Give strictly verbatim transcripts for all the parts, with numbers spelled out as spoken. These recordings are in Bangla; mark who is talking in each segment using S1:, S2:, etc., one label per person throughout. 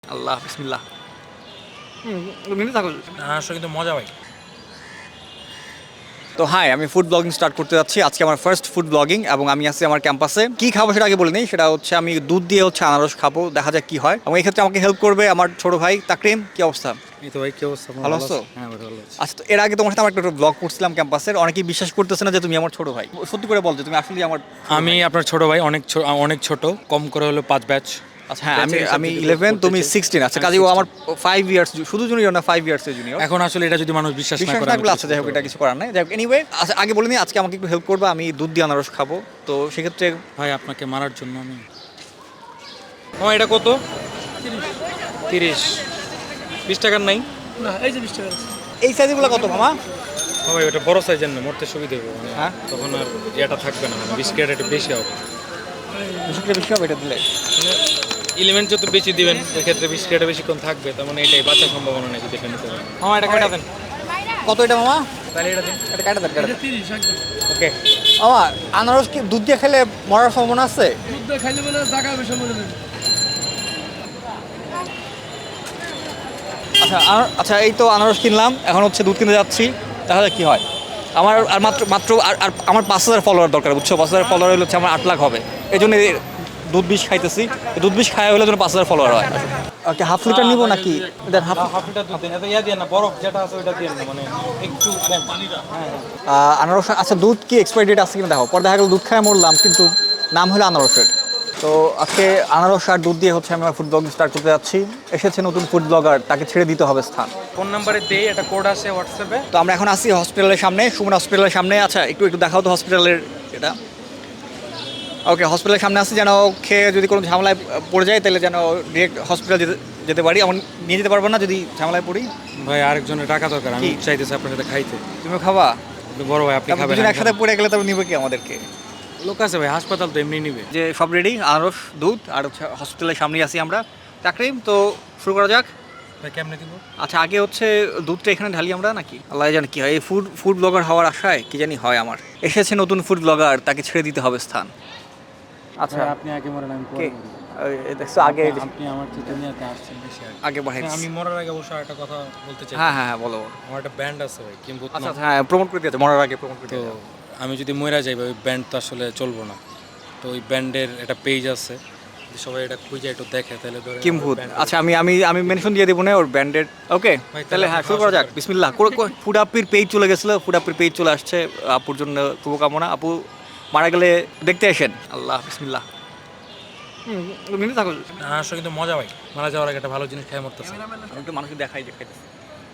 S1: আল্লাহ বিসমিল্লাহ। হুম, নিতে থাকো।
S2: আসলে কিন্তু মজা ভাই।
S1: তো হাই, আমি ফুড ব্লগিং স্টার্ট করতে যাচ্ছি। আজকে আমার ফার্স্ট ফুড ব্লগিং এবং আমি আছি আমার ক্যাম্পাসে। কি খাবো সেটা আগে বলে নিই। সেটা হচ্ছে আমি দুধ দিয়ে হচ্ছে আনারস খাবো, দেখা যাক কি হয়। এবং এই ক্ষেত্রে আমাকে হেল্প করবে আমার ছোট ভাই তাকরিম। কি অবস্থা?
S2: এই তো ভাই, কি অবস্থা? আপনার
S1: ভালো
S2: ভালো
S1: আছো?
S2: আছেন? হ্যাঁ ভাই, ভালো আছি।
S1: আচ্ছা, তো এর আগে তোমার সাথে আমার একটা ব্লগ করছিলাম ক্যাম্পাসের। অনেকেই বিশ্বাস করতেছে না যে তুমি আমার ছোট ভাই। সত্যি করে বল যে তুমি আসলে আমার ছোট
S2: আমি
S1: ভাই।
S2: আপনার ছোট ভাই, অনেক ছো- অনেক ছোট, কম করে হলো পাঁচ ব্যাচ।
S1: আচ্ছা হ্যাঁ, আমি
S2: ব্যাচের হিসাব
S1: আমি
S2: যদি
S1: ইলেভেন,
S2: করতে
S1: তুমি
S2: চাই।
S1: সিক্সটিন। আচ্ছা,
S2: হ্যাঁ,
S1: কাজে ও আমার
S2: ষোলো।
S1: ফাইভ ইয়ার্স, শুধু জুনিয়র না, ফাইভ ইয়ার্সের জুনিয়র।
S2: এখন আসলে এটা যদি মানুষ বিশ্বাস না
S1: বিশ্বাস
S2: করে,
S1: না
S2: আমি
S1: করলে
S2: কিছু
S1: আচ্ছা, যাই হোক,
S2: বলতে
S1: এটা
S2: পারবো
S1: কিছু
S2: না।
S1: করার নাই। যাই হোক, এনিওয়ে, আচ্ছা আগে বলে নিই, আজকে আমাকে একটু হেল্প করবে। আমি দুধ দিয়ে আনারস খাবো, তো সেক্ষেত্রে
S2: ভাই আপনাকে মারার জন্য আমি আমার এটা কত? তিরিশ। বিশ টাকার নাই?
S3: না, এই যে বিশ টাকা আছে।
S1: এই সাইজগুলো কত মামা?
S2: ও ভাই, ওটা বড় সাইজের না, মরতে সুবিধা হবে মানে।
S1: হ্যাঁ?
S2: তখন আর ইয়েটা থাকবে না, মানে বিস্কিট একটু বেশি হবে।
S1: বিস্কুটটা বেশি হবে এটা দিলে?
S2: এলিমেন্ট যত বেশি দিবেন ওই ক্ষেত্রে বিস্কিটটা বেশিক্ষণ থাকবে, তার মানে এটাই বাঁচার সম্ভাবনা নেই যদি এটা নিতে পারেন। আমার এটা কাটা দেন।
S1: কত এটা মামা?
S2: তাহলে এটা দিন।
S1: এটা কাটা দেন, কাটা
S3: এটা
S1: দেন।
S3: তিরিশ একদম।
S2: ওকে।
S1: মামা, আনারস কি দুধ দিয়ে খেলে মরার সম্ভাবনা আছে?
S3: দুধ দিয়ে খাইলে মানে জায়গা বেশি মরে যাবে।
S1: আচ্ছা আনার- আচ্ছা, এই তো আনারস কিনলাম, এখন হচ্ছে দুধ কিনতে যাচ্ছি। তাহলে কি হয়? আমার আর মাত্র মাত্র আর আর আমার পাঁচ হাজার ফলোয়ার দরকার, বুঝছো? পাঁচ হাজার ফলোয়ার হলে হচ্ছে আমার আট লাখ হবে। এই জন্য এই দুধ বিষ খাইতেছি। এই দুধ বিষ খাওয়া হলে যেন পাঁচ হাজার ফলোয়ার হয়। ওকে, হাফ লিটার নিবো নাকি? দেন হাফ।
S2: হাফ লিটার দুধ দেন, এত ইয়া দিয়ে না, বরফ যেটা আছে ওইটা দিয়ে না, মানে একটু কম। হ্যাঁ,
S1: আহ, আনারস, আচ্ছা দুধ কি এক্সপায়ারি ডেট আছে কিনা দেখো। পরে দেখা গেল দুধ খায় মরলাম, কিন্তু নাম হলো আনারসের। তো আজকে আনারস আর দুধ দিয়ে হচ্ছে আমি আমার ফুড ব্লগ স্টার্ট করতে যাচ্ছি। এসেছে নতুন ফুড ব্লগার, তাকে ছেড়ে দিতে হবে স্থান।
S2: ফোন নাম্বারে দেই, একটা কোড আছে হোয়াটসঅ্যাপে।
S1: তো আমরা এখন আসি হসপিটালের সামনে, সুমন হসপিটালের সামনে। আচ্ছা, একটু একটু দেখাও তো হসপিটালের এটা। ওকে, হসপিটালের সামনে আসি, যেন খেয়ে যদি কোনো ঝামেলায় পড়ে যায় তাহলে যেন ডিরেক্ট হসপিটাল যেতে যেতে পারি। আমার নিয়ে যেতে পারবো না যদি ঝামেলায় পড়ি।
S2: ভাই আরেকজনের টাকা দরকার, আমি
S1: কি?
S2: চাইতেছি আপনার সাথে খাইতে।
S1: তুমিও খাবা?
S2: আপনি বড় ভাই, আপনি
S1: তারপর
S2: খাবেন।
S1: দুজন
S2: আমি
S1: একসাথে
S2: খাবো।
S1: পড়ে গেলে তারপর নিবে কি আমাদেরকে?
S2: লোক আছে ভাই, হাসপাতাল তো এমনি নিবে।
S1: যে সব রেডি, আনারস, দুধ আর হচ্ছে হসপিটালের সামনেই আছি আমরা। তাকরিম, তো শুরু করা যাক।
S2: ভাই কেমনে দিব?
S1: আচ্ছা, আগে হচ্ছে দুধটা এখানে ঢালি আমরা নাকি? আল্লাহ জানে কি হয়। এই ফুড ফুড ব্লগার হওয়ার আশায় কি জানি হয় আমার। এসেছে নতুন ফুড ব্লগার, তাকে ছেড়ে দিতে হবে স্থান। আচ্ছা,
S2: ভাই, আপনি আগে মরেন, আমি পরে
S1: কে?
S2: মরি।
S1: ওই, এই দেখছো আগে
S2: আপনি- আপনি আমার চিন্তা নিয়ে আসছেন বেশি আগে।
S1: আগে বাড়াই
S2: হ্যাঁ,
S1: দিছি।
S2: আমি মরার আগে অবশ্য একটা কথা বলতে চাই।
S1: হ্যাঁ হ্যাঁ হ্যাঁ, বলো।
S2: আমার একটা ব্যান্ড আছে ভাই, কিংবুত
S1: আচ্ছা
S2: নাম।
S1: আচ্ছা, হ্যাঁ, প্রমোট করে দিয়েছে, মরার আগে প্রমোট করে
S2: তো
S1: দিয়েছে।
S2: আমি যদি মরে যাই ভাই, ওই ব্যান্ড তো আসলে চলবো না। তো ওই ব্যান্ডের একটা পেজ আছে, যদি সবাই এটা খুঁজে একটু দেখে তাহলে ধরে
S1: কিম্ভূত। আচ্ছা, আমি আমি আমি মেনশন দিয়ে দেবো না ওর ব্যান্ডেড। ওকে,
S2: ভাই,
S1: তাহলে হ্যাঁ শুরু করা যাক। বিসমিল্লাহ। ফুড আপির পেজ চলে গেছিলো, ফুড আপির পেজ চলে আসছে। আপুর জন্য শুভকামনা। আপু মারা গেলে দেখতে আসেন। আল্লাহ বিসমিল্লাহ। হুম, নিতে থাকো।
S2: আসলে কিন্তু মজা ভাই, মারা যাওয়ার আগে একটা ভালো জিনিস খেয়ে মরতেছে।
S1: আমি একটু মানুষকে দেখাই যে খাইতেছে।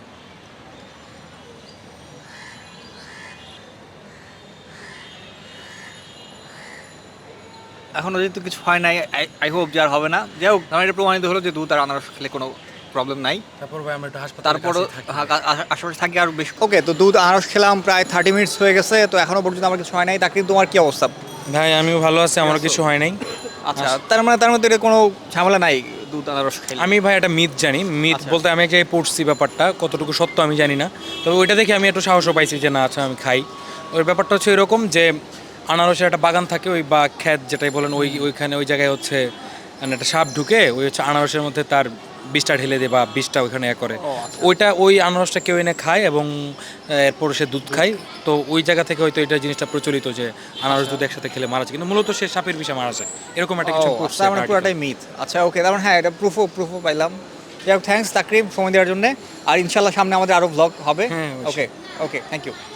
S1: এখনও যেহেতু কিছু হয় নাই, আই হোপ যে আর হবে না। যাই হোক, আমার এটা প্রমাণিত হলো যে দুধ আর আনারস খেলে কোনো প্রবলেম নাই।
S2: তারপর ভাই আমরা একটু হাসপাতাল,
S1: তারপরও আশেপাশে থাকি আর বেশ। ওকে, তো দুধ আনারস খেলাম, প্রায় থার্টি মিনিটস হয়ে গেছে। তো এখনও পর্যন্ত আমার কিছু হয় নাই। তাকে তোমার কি অবস্থা?
S2: ভাই আমিও ভালো আছি, আমারও কিছু হয় নাই।
S1: আচ্ছা, তার মানে তার মধ্যে এটা কোনো ঝামেলা নাই দুধ আনারস খেলে?
S2: আমি ভাই একটা মিথ জানি, মিথ
S1: আচ্ছা।
S2: বলতে আমি এক জায়গায় পড়ছি, ব্যাপারটা কতটুকু সত্য আমি জানি না। তবে ওইটা দেখে আমি একটু সাহসও পাইছি যে না, আচ্ছা আমি খাই। ওই ব্যাপারটা হচ্ছে এরকম যে আনারসের একটা বাগান থাকে, ওই বা ক্ষেত যেটাই বলেন, ওই ওইখানে ওই জায়গায় হচ্ছে মানে একটা সাপ ঢুকে ওই হচ্ছে আনারসের মধ্যে তার বিষটা ঢেলে দেয় বা বিষটা ওইখানে এ করে।
S1: ও, আচ্ছা।
S2: ওইটা ওই আনারসটা কেউ এনে খায় এবং এরপর সে দুধ খায়। তো ওই জায়গা থেকে হয়তো এটা জিনিসটা প্রচলিত যে আনারস দুধ একসাথে খেলে মারা যায়, কিন্তু মূলত সে সাপের বিষে মারা যায়, এরকম একটা কিছু
S1: ও,
S2: করছে
S1: তার মানে
S2: একটা
S1: পুরোটাই মিথ। আচ্ছা ওকে, তার মানে হ্যাঁ, এটা প্রুফও প্রুফও পাইলাম। যাই হোক, থ্যাঙ্কস তাকরিম সময় দেওয়ার জন্য। আর ইনশাল্লাহ সামনে আমাদের আরও ব্লগ হবে।
S2: হ্যাঁ, অবশ্যই।
S1: Okay okay, thank you.